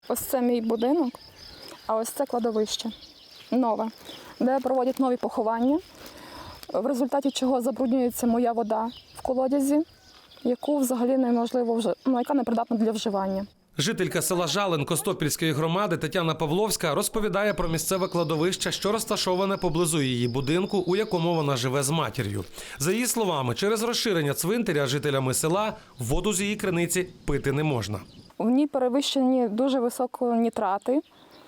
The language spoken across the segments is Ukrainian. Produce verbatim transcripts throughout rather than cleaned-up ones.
Ось це мій будинок, а ось це кладовище нове, де проводять нові поховання, в результаті чого забруднюється моя вода в колодязі, яку взагалі неможливо вже, ну, яка непридатна для вживання. Жителька села Жалин Костопільської громади Тетяна Павловська розповідає про місцеве кладовище, що розташоване поблизу її будинку, у якому вона живе з матір'ю. За її словами, через розширення цвинтаря жителями села воду з її криниці пити не можна. В ній перевищені дуже високо нітрати.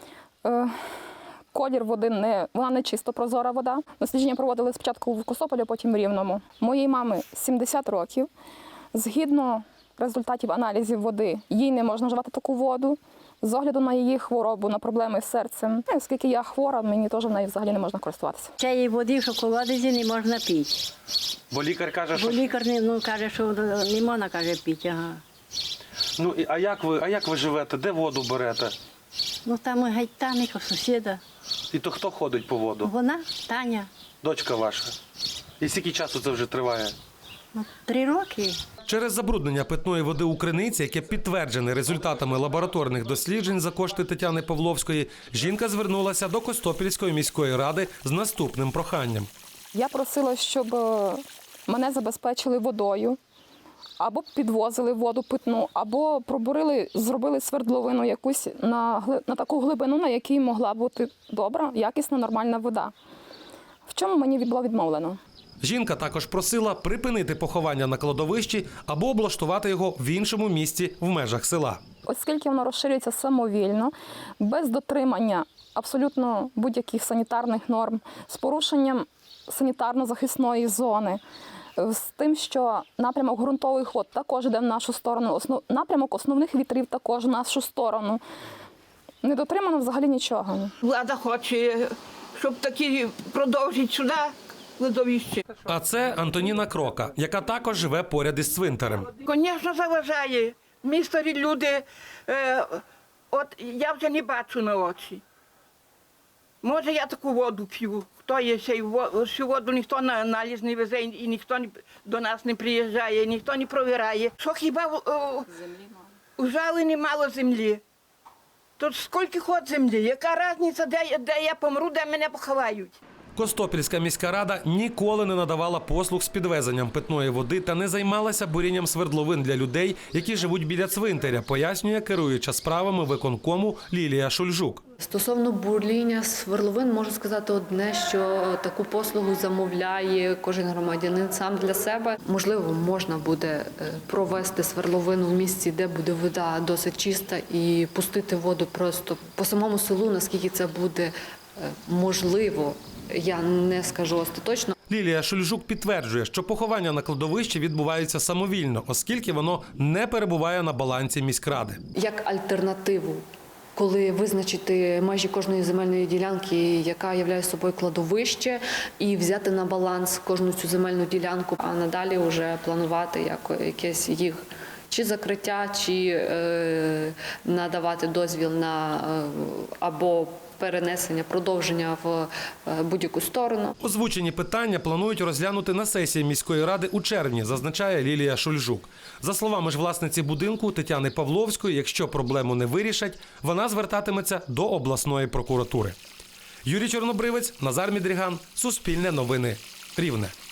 Е, колір води, не, вона не чисто прозора вода. Дослідження проводили спочатку в Костопілі, потім в Рівному. Моїй мамі сімдесят років. Згідно результатів аналізів води, їй не можна вживати таку воду. З огляду на її хворобу, на проблеми з серцем. Оскільки я хвора, мені теж в неї взагалі не можна користуватися. Цієї води, що в колодязі, не можна пити. Бо лікар каже, що... Бо лікар не, ну, каже, що не можна, каже, пити. Ага. Ну, а як ви, а як ви живете? Де воду берете? Ну там гайтаник, сусіда. І то хто ходить по воду? Вона, Таня. Дочка ваша. І скільки часу це вже триває? Ну, три роки. Через забруднення питної води у криниці, яке підтверджене результатами лабораторних досліджень за кошти Тетяни Павловської, жінка звернулася до Костопільської міської ради з наступним проханням. Я просила, щоб мене забезпечили водою, або підвозили воду питну, або пробурили, зробили свердловину якусь на, на таку глибину, на якій могла бути добра, якісна, нормальна вода. В чому мені було відмовлено? Жінка також просила припинити поховання на кладовищі або облаштувати його в іншому місці в межах села. Оскільки воно розширюється самовільно, без дотримання абсолютно будь-яких санітарних норм, з порушенням санітарно-захисної зони, з тим, що напрямок ґрунтових вод також йде в нашу сторону, основ... напрямок основних вітрів також в нашу сторону. Не дотримано взагалі нічого. Влада хоче, щоб такі продовжити сюди кладовище. А це Антоніна Крока, яка також живе поряд із цвинтарем. Звісно, заважає. Ми старі люди, е, от я вже не бачу на очі. Може, я таку воду п'ю. Хто є ще всю воду, ніхто на аналіз не везе, і ніхто до нас не приїжджає, ніхто не провіряє. Що хіба в, у Жалині мало землі? Тут скільки ход землі? Яка різниця, де, де я помру, де мене поховають? Костопільська міська рада ніколи не надавала послуг з підвезенням питної води та не займалася бурінням свердловин для людей, які живуть біля цвинтаря, пояснює керуюча справами виконкому Лілія Шульжук. Стосовно бурління свердловин, можу сказати одне, що таку послугу замовляє кожен громадянин сам для себе. Можливо, можна буде провести свердловину в місці, де буде вода досить чиста, і пустити воду просто по самому селу, наскільки це буде можливо. Я не скажу остаточно. Лілія Шульжук підтверджує, що поховання на кладовищі відбуваються самовільно, оскільки воно не перебуває на балансі міськради. Як альтернативу, коли визначити межі кожної земельної ділянки, яка являє собою кладовище, і взяти на баланс кожну цю земельну ділянку, а надалі вже планувати як якесь їх чи закриття, чи е, надавати дозвіл на е, або перенесення, продовження в будь-яку сторону. Озвучені питання планують розглянути на сесії міської ради у червні, зазначає Лілія Шульжук. За словами ж власниці будинку Тетяни Павловської, якщо проблему не вирішать, вона звертатиметься до обласної прокуратури. Юрій Чорнобривець, Назар Мідріган, Суспільне новини, Рівне.